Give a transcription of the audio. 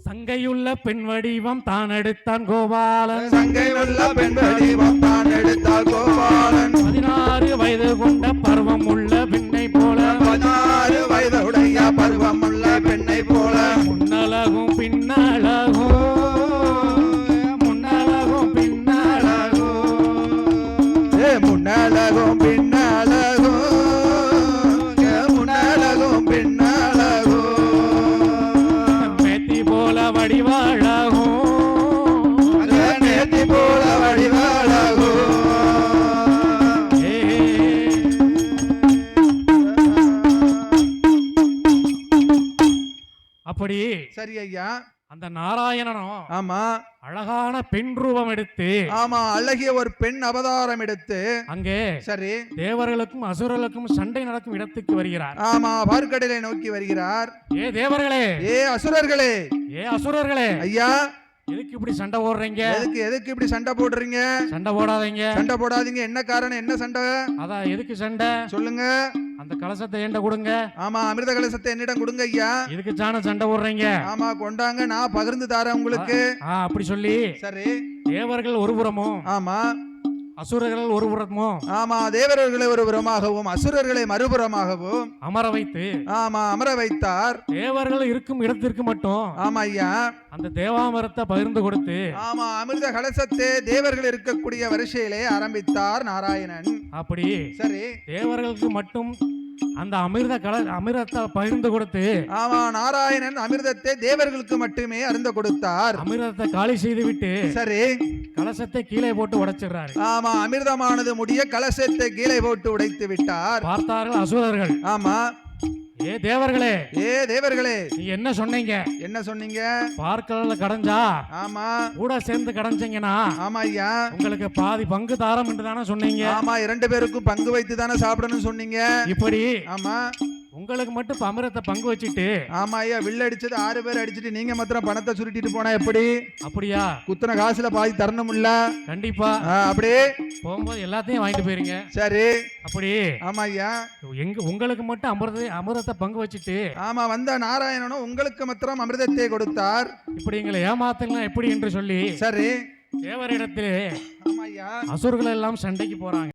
சங்கையுள்ள பெண் வடிவம் தான் எடுத்தான் கோபாலன். சங்கையுள்ள பெண் வடிவம் தான் எடுத்தார் கோபாலன். 16 வயது கொண்ட பருவம் உள்ள பெண்ணை போல 16 வயதுடைய பருவம் உள்ள பெண்ணை போல முன்னழகும் பின்னழகும் முன்னழகும் பின்னழகும் முன்னழகும் பின்னழகும் முன்னழகும் பின்னழகும் மேத்தி போல வடிவாழகும் நேத்தி போல வடிவாழகும். அப்படி சரி ஐயா. அந்த நாராயணனும் ஆமா அழகான பெண் ரூபம் எடுத்து ஆமா அழகிய ஒரு பெண் அவதாரம் எடுத்து அங்கே சரி தேவர்களுக்கும் அசுரர்களுக்கும் சண்டை நடக்கும் இடத்துக்கு வருகிறார். ஆமா பார்க்கடலை நோக்கி வருகிறார். ஏ தேவர்களே, ஏ அசுரர்களே, ஏ அசுரர்களே, ஐயா எதுக்கு இப்படி சண்டை போடுறீங்க? எதுக்கு இப்படி சண்டை போடுறீங்க? சண்டை போடாதீங்க, சண்டை போடாதீங்க. என்ன காரணம்? என்ன சண்டை? அதான் எதுக்கு சண்டை சொல்லுங்க. அந்த கலசத்தை என்கிட்ட கொடுங்க. ஆமா அமிர்த கலசத்தை என்னிடம் கொடுங்க ஐயா. இதுக்கு சாண சண்டை போடுறீங்க? ஆமா கொண்டாங்க, நான் பகிர்ந்து தரேன் உங்களுக்கு. அப்படி சொல்லி சரி தேவர்கள் ஒரு புறமும் ஆமா அசுரர்கள் ஒரு புறமும் ஆமா தேவர்களை ஒரு புறமாகவும் அசுரர்களை மறுபுறமாகவும் அமர வைத்து ஆமா அமர வைத்தார். தேவர்கள் இருக்கும் இடத்திற்கு மட்டும் ஆமா ஐயா அந்த தேவாமிரத்தை பகிர்ந்து கொடுத்து ஆமா அமிர்த கலசத்தை தேவர்கள் இருக்கக்கூடிய வரிசையிலே ஆரம்பித்தார் நாராயணன். அப்படி சரி தேவர்களுக்கு மட்டும் அந்த அமிர்தத்தை பகிர்ந்து கொடுத்து ஆமா நாராயணன் அமிர்தத்தை தேவர்களுக்கு மட்டுமே அருந்த கொடுத்தார். அமிர்தத்தை காலி செய்து விட்டு சரி கலசத்தை கீழே போட்டு உடைச்சிடுறாரு. ஆமா அமிர்தமானது முடிய கலசத்தை கீழே போட்டு உடைத்து விட்டார். பார்த்தார்கள் அசுரர்கள். ஆமா ஏ தேவர்களே, ஏ தேவர்களே, நீ என்ன சொன்னீங்க? என்ன சொன்னீங்க? பார்க்கல கடைஞ்சா ஆமா கூட சேர்ந்து கடைஞ்சீங்கன்னா ஆமா ஐயா உங்களுக்கு பாதி பங்கு தாரம் என்று தானே சொன்னீங்க. ஆமா 2 பேருக்கும் பங்கு வைத்து தானே சாப்பிடணும்னு சொன்னீங்க. இப்படி ஆமா உங்களுக்கு மட்டும் அமிர்தத்தை பங்கு வச்சுட்டு ஆமா ஐயா வில்ல அடிச்சது 6 பேர் அடிச்சிட்டு நீங்க மாத்திரம் பணத்தை சுருட்டிட்டு போனா எப்படி? அப்படியா? குத்துன காசுல பாதி தரணும்ல. கண்டிப்பா. அப்படியே போகும்போது எல்லாத்தையும் வாங்கிட்டு போயிருங்க. சரி அப்படி ஆமா ஐயா உங்களுக்கு மட்டும் அமிர்தத்தை பங்கு வச்சுட்டு ஆமா வந்த நாராயணனும் உங்களுக்கு மாத்திரம் அமிர்தத்தை கொடுத்தார். இப்படி எங்களை ஏமாத்தலாம் எப்படி என்று சொல்லி சரி தேவரிடத்திலே ஆமா ஐயா அசுரர்கள் எல்லாம் சண்டைக்கு போறாங்க.